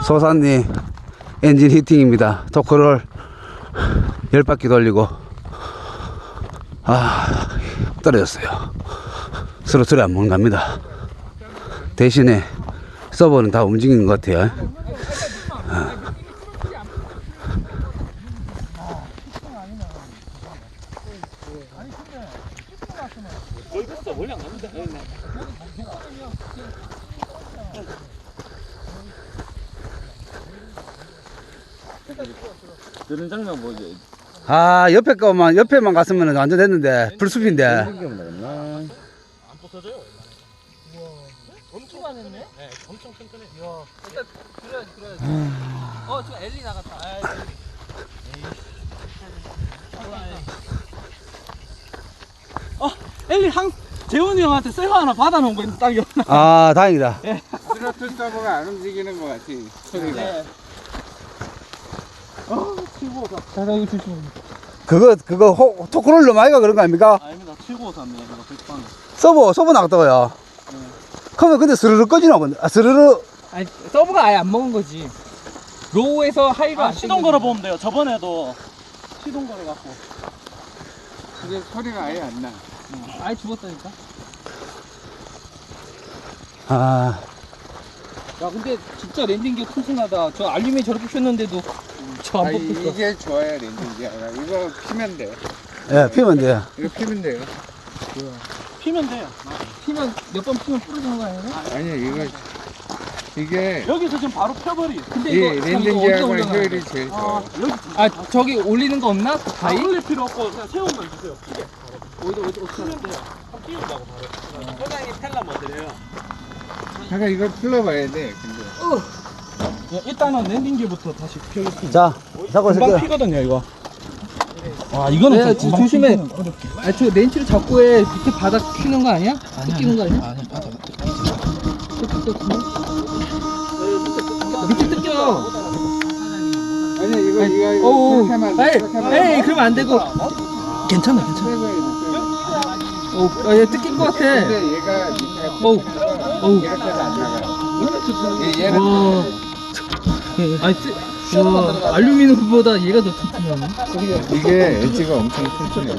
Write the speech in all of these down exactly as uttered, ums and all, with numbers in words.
소산리 엔진 히팅입니다. 토크를 열 바퀴 돌리고 아 떨어졌어요. 스로틀이 안 먹는 갑니다. 대신에 서버는 다 움직이는 것 같아요. 아. 그런 장면 보지. 아 옆에 거만 옆에만 갔으면 완전 됐는데 불숲인데. 안 부서져요. 엄청 많았네? 네, 엄청 튼튼해. 이야. 일단 들어야지, 들어야지. 어, 지금 엘리 나갔다. 아, 어, 엘리 항, 재훈이 형한테 쇠고 하나 받아놓은 거 있는 딱이야. 아 다행이다. 스로틀 서버가 안 움직이는 것 같아. 소리가. 네. 어, 칠구오삼. 자, 나 이거 조심해. 그거 그거 호, 토크롤러 마이가 그런 거 아닙니까? 아닙니다. 칠구오삼이에요. 이거 백방. 서버 서버 나갔다고요. 네. 그러면 근데 스르르 꺼지나 본데. 아 스르르. 아니, 서브가 아예 안 먹은 거지. 로우에서 하이가 아, 안 시동 걸어 보면 돼요. 저번에도 시동 걸어 갖고. 근데 소리가 아예 안 나. 아예 죽었다니까. 아 야, 근데 진짜 랜딩기 튼튼하다. 저 알루미늄 저렇게 폈는데도 저 안 아, 뽑혔어. 이게 좋아요, 랜딩기가. 이거 피면 돼. 예 피면 돼요. 이거 피면 돼요. 피면 돼요. 피면 몇 번 피면 부러지는 거 아니에요? 아니, 이거 이게 여기서 지금 바로 펴버리. 근데 이 이거 참 이거 언제 랜딩기하고는 올려놔요? 효율이 제일 좋아요. 여기 아 저기 올리는 거 없나? 다 다이? 올릴 필요 없고 그냥 세우면 주세요. 피게. 어디 어디 어디 피면 돼요. 한번 띄운다고 바로. 소장님 텔라 뭐 드려요? 잠깐 이걸 풀러봐야 돼. 근데 예, 일단은 랜딩기부터 다시 펴겠습니다. 자 잡고 금방 있을게요. 피거든요, 이거. 와, 이거는 네, 좀 조- 금방 조심해. 피기는 어렵게. 아 저 렌치를 잡고 해. 밑에 바닥 휘는 거 아니야? 뜯기는 거 아니야? 아니, 맞아. 밑에 뜯겨. 아니 이거 이거 이거 어우. 그렇게 하면 안 돼. 에이, 그렇게 하면 안 돼. 에이 그러면 안 되고. 괜찮아, 괜찮아. 빼고 해야 돼. 어, 아, 얘 뜯긴 거 같아. 근데 얘가 밑에가 어우. 어우. 이렇게 해서 안 나가. 얘- 얘는 와. 아니, 쓰, 와, 알루미늄보다 얘가 더 튼튼하네. 이게 엣지가 엄청 튼튼해.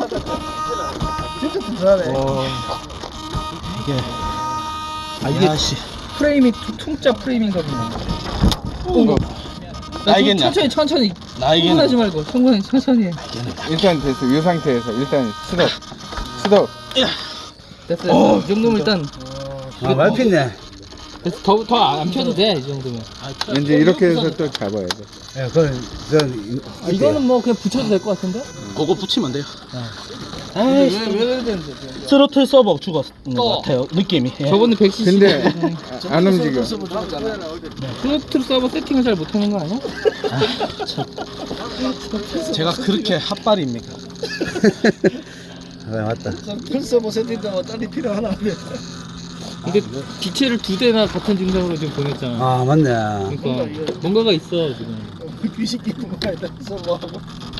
아, 이게 야씨. 프레임이 투, 퉁짜 프레임인가 보네. 이거 나 알겠냐? 천천히, 천천히. 나이게는 흥분하지 말고, 흥분하지 천천히 해. 일단 됐어. 이 상태에서 일단 스톱. 스톱. 됐어요. 이 정도면 일단. 아 많이 폈네. 더, 더 안 펴도 돼, 이 정도면. 이제 이렇게 해서 또 잡아야 돼. 예 그건 전 아, 이거는 뭐 그냥 붙여도 될 것 같은데? 그거 붙이면 돼요. 왜, 왜 그래야 되는데? 스로틀 서버 죽었는 어. 것 같아요, 느낌이. 예. 저번에 백 씨씨. 근데 안 움직여. 플로트 서버 세팅을 잘 못하는 거 아니야? 제가 그렇게 핫발입니까? 아 맞다. 풀서버 세팅도 뭐 딸이 필요하나? 근데 기체를 두 대나 같은 증상으로 지금 보냈잖아. 아 맞네. 그러니까 뭔가가 있어 지금. 귀신기 뭐가 있다 서버하고.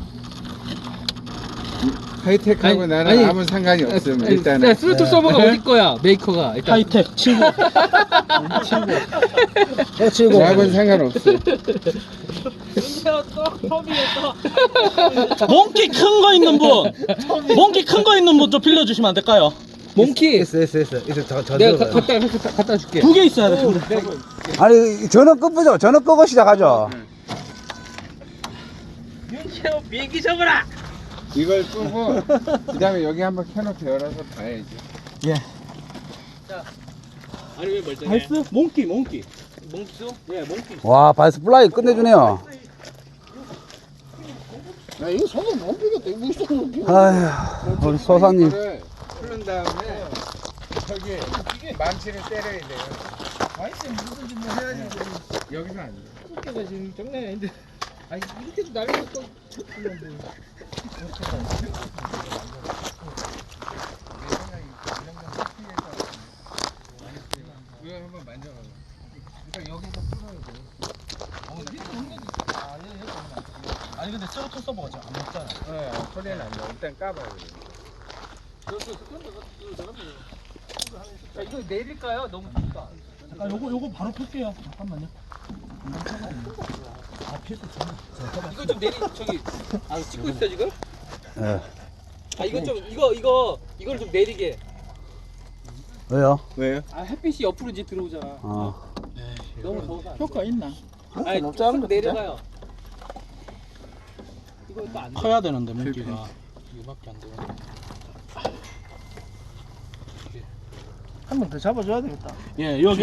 하이텍하고 아니, 나는 아니, 아무 상관이 없음. 아니, 일단은. 야, 스로틀 서버가 어디 거야? 메이커가 일단. 하이텍 친구. 또 치고. 나하고는 상관없어. 몽키 큰 거 있는 분. 몽키 큰 거 있는 분 좀 빌려주시면 안 될까요? 몽키. 있어 있어 있어 있어 저, 저 내가 들어가요. 가, 갖다 갖다 갖다 줄게. 두 개 있어야 돼. 두 개. 아니 전원 끄보죠. 전원 끄고 시작하죠. 윤채호 비행기 접어라. 이걸 끄고 그다음에 여기 한번 켜놓고 열어서 봐야지. 예. 아니 왜 멀쩡해? 발스 몽키 몽키. 몽키도? 예, 몽키. 와 발스 플라이 끝내주네요. 야, 이거 손을 못 비겠다. 이거 무슨 몽키? 아휴 우리 소사님. 이거를 풀은 다음에 저기 망치를 때려야 돼요. 아이씨 무슨 좀 해야지. 여기서 안 돼. 어깨가 지금 장난이 아닌데. 아니 이렇게 날리고 또 좋던데. 이거 한번 만져봐. 그러니까 여기서 풀어야 돼. 아니 근데 스로틀 서버가 지금 안 먹잖아. 네, 소리는 안 나. 일단 까봐요. 야, 이거 내릴까요? 너무 좁다. 잠깐 요거 요거 바로 풀게요. 잠깐만요. 이거 좀 내리 저기 아 찍고 있어 지금? 예. 아 이거 좀 이거 이거 이걸 좀 내리게. 왜요? 왜요? 아 햇빛이 옆으로 이제 들어오잖아. 어. 너무 더워서. 안 돼. 효과 있나? 아니 높지 않은 거 내려가요. 이거 또안 돼. 커야 되는데 물기가 이거밖에 안 돼. 한 번 더 잡아줘야 되겠다. 예, 여기